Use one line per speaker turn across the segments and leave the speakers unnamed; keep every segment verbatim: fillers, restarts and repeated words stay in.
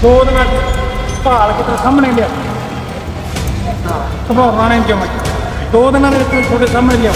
ਦੋ ਦਿਨਾਂ ਭਾਲ ਕੇ ਤੇ ਸਾਹਮਣੇ ਲਿਆ ਹਾਂ ਸੁਭਾਅ ਨੇ ਜਮਾ ਦੋ ਦਿਨਾਂ ਦੇ ਵਿੱਚ ਤੁਹਾਡੇ ਸਾਹਮਣੇ ਲਿਆ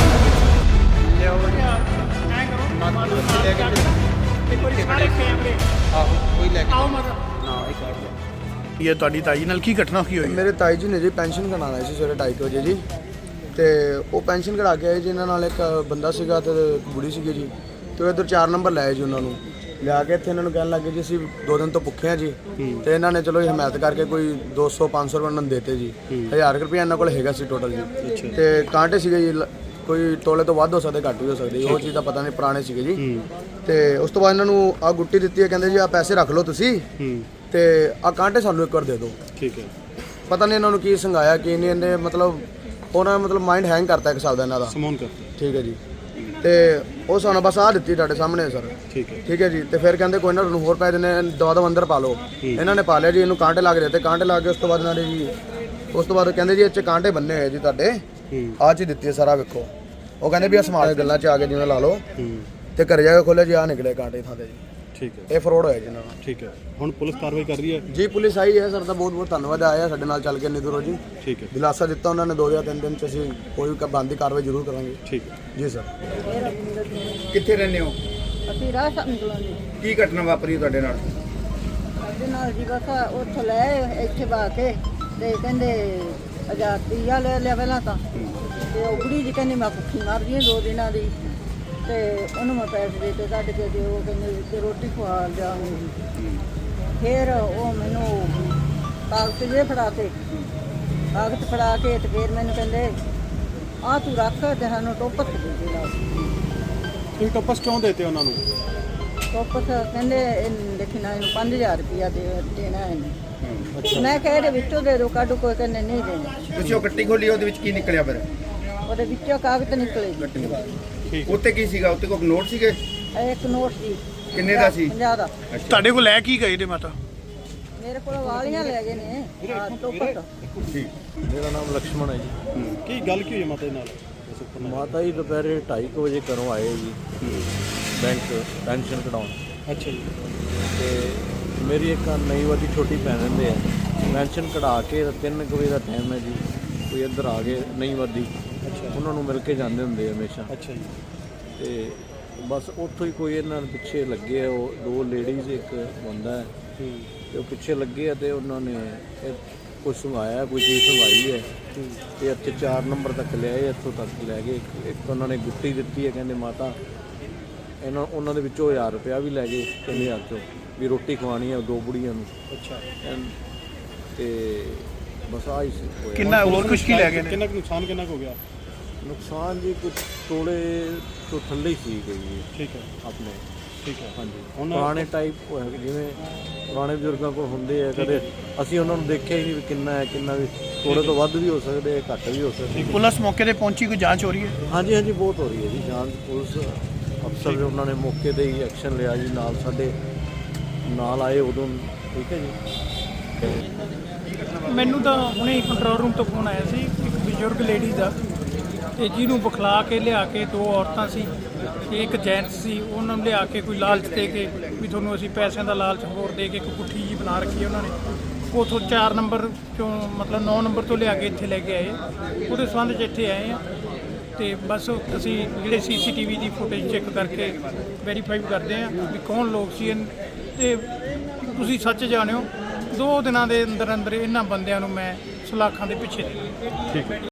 ਇਹ ਤੁਹਾਡੀ ਤਾਈ ਨਾਲ ਕੀ ਘਟਨਾ ਕੀ ਹੋਈ?
ਮੇਰੇ ਤਾਈ ਜੀ ਨੇ ਜੀ ਪੈਨਸ਼ਨ ਕਢਾਉਣ ਆਏ ਸੀ ਸਵੇਰੇ ਢਾਈ ਵਜੇ ਜੀ, ਤੇ ਉਹ ਪੈਨਸ਼ਨ ਕਢਾ ਕੇ ਆਏ ਜੀ। ਇਹਨਾਂ ਨਾਲ ਇੱਕ ਬੰਦਾ ਸੀਗਾ ਤੇ ਇੱਕ ਬੁੜੀ ਸੀਗੀ ਜੀ, ਤੇ ਉਹ ਇੱਧਰ ਚਾਰ ਨੰਬਰ ਲਾਏ ਜੀ। ਉਹਨਾਂ ਨੂੰ ਲਿਆ ਕੇ ਇੱਥੇ ਇਹਨਾਂ ਨੂੰ ਕਹਿਣ ਲੱਗੇ ਜੀ ਅਸੀਂ ਦੋ ਦਿਨ ਤੋਂ ਭੁੱਖੇ ਆ ਜੀ, ਤੇ ਇਹਨਾਂ ਨੇ ਚਲੋ ਹਿਮਾਇਤ ਕਰਕੇ ਕੋਈ ਦੋ ਸੌ ਪੰਜ ਸੌ ਰੁਪਏ ਉਹਨਾਂ ਨੂੰ ਦੇਤੇ ਜੀ। ਹਜ਼ਾਰ ਰੁਪਏ ਇਹਨਾਂ ਕੋਲ ਹੈਗਾ ਸੀ ਟੋਟਲ ਜੀ, ਤੇ ਕਾਂਟੇ ਸੀਗੇ ਜੀ ਕੋਈ ਤੋਲੇ ਤੋਂ ਵੱਧ ਹੋ ਸਕਦੇ ਘੱਟ ਵੀ ਹੋ ਸਕਦੇ, ਉਹ ਚੀਜ਼ ਦਾ ਪਤਾ ਨਹੀਂ, ਪੁਰਾਣੇ ਸੀਗੇ ਜੀ। ਤੇ ਉਸ ਤੋਂ ਬਾਅਦ ਇਹਨਾਂ ਨੂੰ ਆ ਗੁੱਟੀ ਦਿੱਤੀ ਹੈ, ਕਹਿੰਦੇ ਜੀ ਆ ਪੈਸੇ ਰੱਖ ਲਓ ਤੁਸੀਂ, ਤੇ ਆ ਕਾਂਟੇ ਸਾਨੂੰ ਇੱਕ ਵਾਰ ਦੇ ਦਿਓ।
ਠੀਕ ਹੈ।
ਪਤਾ ਨਹੀਂ ਇਹਨਾਂ ਨੂੰ ਕੀ ਸੰਘਾਇਆ ਕੀ ਨਹੀਂ, ਇਹਨੇ ਮਤਲਬ ਉਹਨਾਂ ਮਤਲਬ ਮਾਈਂਡ ਹੈਂਗ ਕਰਤਾ ਇੱਕ ਹਿਸਾਬ ਦਾ ਇਹਨਾਂ ਦਾ।
ਸਮੋਨ ਕਰਤਾ।
ਠੀਕ ਹੈ ਜੀ, ਤੇ ਉਹ ਸਾਨੂੰ ਬਸ ਆ ਦਿੱਤੀ ਤੁਹਾਡੇ ਸਾਹਮਣੇ ਸਰ।
ਠੀਕ ਹੈ।
ਠੀਕ ਹੈ ਜੀ, ਤੇ ਫਿਰ ਕਹਿੰਦੇ ਕੋਈ ਨਾ ਤੁਹਾਨੂੰ ਹੋਰ ਪੈ ਦਿੰਦੇ, ਦਵਾ ਦਵਾ ਅੰਦਰ ਪਾ ਲਓ। ਇਹਨਾਂ ਨੇ ਪਾ ਲਿਆ ਜੀ, ਇਹਨੂੰ ਕਾਂਟੇ ਲਾ ਕੇ ਦਿੱਤੇ। ਕਾਂਟੇ ਲਾ ਕੇ ਉਸ ਤੋਂ ਬਾਅਦ ਇਹਨਾਂ ਨੇ ਜੀ ਉਸ ਤੋਂ ਬਾਅਦ ਕਹਿੰਦੇ ਜੀ ਇਹ 'ਚ ਕਾਂਟੇ ਬੰਨੇ ਹੋਏ ਜੀ ਤੁਹਾਡੇ, ਆਹ ਚੀਜ਼ ਦਿੱਤੀ ਹੈ ਸਾਰਾ ਵੇਖੋ। ਉਹ ਕਹਿੰਦੇ ਵੀ ਆ ਸਮਾਲ ਗੱਲਾਂ 'ਚ ਆ ਕੇ ਜਿਵੇਂ ਲਾ ਲਓ, ਤੇ ਘਰੇ ਜਾ ਕੇ ਖੋਲਿਆ ਜੀ ਆ ਨਿਕਲੇ ਕਾਂਟੇ ਥਾਂ ਤੇ ਜੀ।
ਠੀਕ ਹੈ।
ਇਹ ਫਰੋਡ ਹੋਇਆ ਜੀ ਇਹਨਾਂ ਨਾਲ।
ਠੀਕ ਹੈ। ਹੁਣ ਪੁਲਿਸ ਕਾਰਵਾਈ ਕਰ ਰਹੀ ਹੈ
ਜੀ, ਪੁਲਿਸ ਆਈ ਹੈ ਸਰ ਦਾ ਬਹੁਤ ਬਹੁਤ ਧੰਨਵਾਦ, ਆਇਆ ਸਾਡੇ ਨਾਲ ਚੱਲ ਕੇ ਇੰਨੀ ਦੂਰੋਂ ਜੀ।
ਠੀਕ ਹੈ।
ਦਿਲਾਸਾ ਦਿੱਤਾ ਉਹਨਾਂ ਨੇ, ਦੋ ਜਾਂ ਤਿੰਨ ਦਿਨ ਚ ਅਸੀਂ ਕੋਈ ਵੀ ਬਣਦੀ ਕਾਰਵਾਈ ਜ਼ਰੂਰ ਕਰਾਂਗੇ।
ਠੀਕ ਹੈ
ਜੀ ਸਰ।
ਕਿੱਥੇ ਰਹਿੰਦੇ ਹੋ?
ਅਸੀਂ ਰਾਹ ਸੰਗਲਾਂ ਦੀ
ਕੀ ਘਟਨਾ ਵਾਪਰੀ ਤੁਹਾਡੇ ਨਾਲ?
ਸਾਡੇ ਨਾਲ ਜੀ ਬਸ ਉੱਥੋਂ ਲੈ ਇੱਥੇ ਬਾ ਕੇ ਤੇ ਕਹਿੰਦੇ ਹਜ਼ਾਰ ਰੁਪਈਆ ਲੈ ਲਿਆ ਪਹਿਲਾਂ ਤਾਂ, ਤੇ ਉਹ ਬੁੜੀ ਜੀ ਕਹਿੰਦੀ ਮੈਂ ਭੁੱਖੀ ਮਰ ਗਈ ਦੋ ਦਿਨਾਂ ਦੀ, ਤੇ ਉਹਨੂੰ ਮੈਂ ਪੈਸੇ ਦੇ ਕੇ ਕੱਢ ਕੇ ਤੇ ਉਹ ਕਹਿੰਦੇ ਤੇ ਰੋਟੀ ਖਵਾ ਲਿਆਉਂਗੀ ਜੀ। ਫਿਰ ਉਹ ਮੈਨੂੰ ਕਾਗਜ਼ ਜੇ ਫੜਾ ਕੇ ਕਾਗਜ਼ ਫੜਾ ਕੇ ਤੇ ਫਿਰ ਮੈਨੂੰ ਕਹਿੰਦੇ ਆਹ ਤੂੰ ਰੱਖ ਤੇ ਸਾਨੂੰ ਟੋਪਸ ਦੇ ਦੇ ਲਾ।
ਤੁਸੀਂ ਟੋਪਸ ਕਿਉਂ ਦੇਤੇ ਉਹਨਾਂ ਨੂੰ?
ਟੋਪਸ ਕਹਿੰਦੇ ਇਹਨੂੰ ਦੇਖਣਾ ਇਹਨੂੰ ਪੰਜ ਹਜ਼ਾਰ ਰੁਪਈਆ ਦੇ ਦੇਣਾ ਇਹਨੂੰ। ਮੈਂ ਕਿਹਾ ਇਹਦੇ ਵਿੱਚੋਂ ਦੇ ਦਿਓ, ਕੱਢ ਕੋਈ ਕਹਿੰਦੇ ਨਹੀਂ ਦੇਣਾ।
ਤੁਸੀਂ ਉਹ ਗੱਟੀ ਖੋਲੀ, ਉਹਦੇ ਵਿੱਚ ਕੀ ਨਿਕਲਿਆ ਫਿਰ?
ਉਹਦੇ ਵਿੱਚੋਂ ਕਾਗਜ਼ ਨਿਕਲੇ ਜੀ।
ਠੀਕ।
ਉੱਤੇ ਕੀ ਸੀਗਾ? ਉੱਤੇ ਕੋਈ ਨੋਟ ਸੀਗੇ?
ਇੱਕ ਨੋਟ ਸੀ।
ਕਿੰਨੇ ਦਾ ਸੀ?
ਪੰਜਾਹ ਦਾ।
ਤੁਹਾਡੇ ਕੋਲ ਲੈ ਕੀ ਗਏ ਨੇ ਮਾਤਾ?
ਮੇਰੇ ਕੋਲ ਵਾਲੀਆਂ ਲੈ ਗਏ ਨੇ ਆਹ ਟੋਪਸ।
ਠੀਕ।
ਮੇਰਾ ਨਾਮ ਲਕਸ਼ਮਣ ਹੈ ਜੀ।
ਕੀ ਗੱਲ ਕੀ ਹੋਈ ਮਾਤਾ ਦੇ ਨਾਲ?
ਮਾਤਾ ਜੀ ਦੁਪਹਿਰੇ ਢਾਈ ਕੁ ਵਜੇ ਘਰੋਂ ਆਏ ਜੀ ਬੈਂਕ ਪੈਨਸ਼ਨ ਕਢਾਉਣ।
ਅੱਛਾ ਜੀ।
ਤੇ ਮੇਰੀ ਇੱਕ ਨਵੀਂ ਦੀ ਛੋਟੀ ਭੈਣ ਰਹਿੰਦੇ ਆ, ਪੈਨਸ਼ਨ ਕਢਾ ਕੇ ਤਿੰਨ ਕੁ ਵਜੇ ਦਾ ਟਾਈਮ ਹੈ ਜੀ, ਕੋਈ ਇੱਧਰ ਆ ਗਏ ਨਵੀਂ ਵਾਦੀ, ਉਹਨਾਂ ਨੂੰ ਮਿਲ ਕੇ ਜਾਂਦੇ ਹੁੰਦੇ ਆ ਹਮੇਸ਼ਾ।
ਅੱਛਾ ਜੀ।
ਤੇ ਬਸ ਉੱਥੋਂ ਹੀ ਕੋਈ ਇਹਨਾਂ ਦੇ ਪਿੱਛੇ ਲੱਗੇ ਆ, ਉਹ ਦੋ ਲੇਡੀਜ਼ ਇੱਕ ਬੰਦਾ ਹੈ, ਤੇ ਉਹ ਪਿੱਛੇ ਲੱਗੇ ਆ ਤੇ ਉਹਨਾਂ ਨੇ ਕੋਈ ਸੰਘਾਇਆ, ਕੋਈ ਚੀਜ਼ ਸੰਘਾਈ ਹੈ, ਤੇ ਇੱਥੇ ਚਾਰ ਨੰਬਰ ਤੱਕ ਲਿਆਏ, ਇੱਥੋਂ ਤੱਕ ਲੈ ਗਏ। ਇੱਕ ਉਹਨਾਂ ਨੇ ਗੁੱਟੀ ਦਿੱਤੀ ਹੈ, ਕਹਿੰਦੇ ਮਾਤਾ ਇਹਨਾਂ ਉਹਨਾਂ ਦੇ ਵਿੱਚੋਂ ਹਜ਼ਾਰ ਰੁਪਇਆ ਵੀ ਲੈ ਗਏ, ਕਹਿੰਦੇ ਹਜ਼ਾਰ ਚੋਂ ਵੀ ਰੋਟੀ ਖਵਾਉਣੀ ਹੈ ਦੋ ਬੁੜੀਆਂ ਨੂੰ।
ਅੱਛਾ।
ਤੇ ਬਸ ਆਹ ਹੀ ਸੀ ਹੋਇਆ।
ਕਿੰਨਾ ਹੋਰ ਕੁਝ ਕੀ ਲੈ ਗਏ ਨੇ? ਕਿੰਨਾ ਕੁ ਨੁਕਸਾਨ ਕਿੰਨਾ ਕੁ ਹੋ ਗਿਆ?
ਨੁਕਸਾਨ ਜੀ ਕੁਝ ਤੋਲੇ ਤੋਂ ਥੱਲੇ ਹੀ ਸੀ ਗਈ ਜੀ।
ਠੀਕ ਹੈ।
ਆਪਣੇ।
ਠੀਕ ਹੈ।
ਹਾਂਜੀ।
ਹੁਣ
ਪੁਰਾਣੇ ਟਾਈਪ ਹੋਇਆ ਜਿਵੇਂ ਪੁਰਾਣੇ ਬਜ਼ੁਰਗਾਂ ਕੋਲ ਹੁੰਦੇ ਆ, ਕਦੇ ਅਸੀਂ ਉਹਨਾਂ ਨੂੰ ਦੇਖਿਆ ਹੀ ਨਹੀਂ ਵੀ ਕਿੰਨਾ ਹੈ ਕਿੰਨਾ, ਵੀ ਥੋੜੇ ਤੋਂ ਵੱਧ ਵੀ ਹੋ ਸਕਦੇ, ਘੱਟ ਵੀ ਹੋ ਸਕਦੇ।
ਪੁਲਿਸ ਮੌਕੇ ਤੇ ਪਹੁੰਚੀ, ਕੋਈ ਜਾਂਚ ਹੋ ਰਹੀ ਹੈ?
ਹਾਂਜੀ ਹਾਂਜੀ ਬਹੁਤ ਹੋ ਰਹੀ ਹੈ ਜੀ ਜਾਂਚ। ਪੁਲਿਸ ਅਫਸਰ ਉਹਨਾਂ ਨੇ ਮੌਕੇ ਤੇ ਹੀ ਐਕਸ਼ਨ ਲਿਆ ਜੀ, ਨਾਲ ਸਾਡੇ ਨਾਲ ਆਏ ਉਦੋਂ। ਠੀਕ ਹੈ ਜੀ।
ਮੈਨੂੰ ਤਾਂ ਹੁਣੇ ਕੰਟਰੋਲ ਰੂਮ ਤੋਂ ਫੋਨ ਆਇਆ ਸੀ, ਇੱਕ ਬਜ਼ੁਰਗ ਲੇਡੀ ਦਾ, ਤੇ ਜਿਹਨੂੰ ਬੁਖਲਾ ਕੇ ਲਿਆ ਕੇ ਦੋ ਔਰਤਾਂ ਸੀ ਤੇ ਇੱਕ ਜੈਂਟਸ ਸੀ, ਉਹਨਾਂ ਨੂੰ ਲਿਆ ਕੇ ਕੋਈ ਲਾਲਚ ਦੇ ਕੇ ਵੀ ਤੁਹਾਨੂੰ ਅਸੀਂ ਪੈਸਿਆਂ ਦਾ ਲਾਲਚ ਹੋਰ ਦੇ ਕੇ ਇੱਕ ਗੁੱਠੀ ਜੀ ਬਣਾ ਰੱਖੀ ਉਹਨਾਂ ਨੇ। ਉੱਥੋਂ ਚਾਰ ਨੰਬਰ ਚੋਂ ਮਤਲਬ ਨੌ ਨੰਬਰ ਤੋਂ ਲਿਆ ਕੇ ਇੱਥੇ ਲੈ ਕੇ ਆਏ, ਉਹਦੇ ਸੰਬੰਧ 'ਚ ਇੱਥੇ ਆਏ ਆ। ਤੇ ਬਸ ਅਸੀਂ ਜਿਹੜੇ ਸੀ ਸੀ ਟੀ ਵੀ ਦੀ ਫੁਟੇਜ ਚੈੱਕ ਕਰਕੇ ਵੈਰੀਫਾਈ ਕਰਦੇ ਹਾਂ ਵੀ ਕੌਣ ਲੋਕ ਸੀ। ਤੇ ਤੁਸੀਂ ਸੱਚ ਜਾਣਿਓ, ਦੋ ਦਿਨਾਂ ਦੇ ਅੰਦਰ ਅੰਦਰ ਇਹਨਾਂ ਬੰਦਿਆਂ ਨੂੰ ਮੈਂ ਸਲਾਖਾਂ ਦੇ ਪਿੱਛੇ ਦੇ।
ਠੀਕ ਹੈ।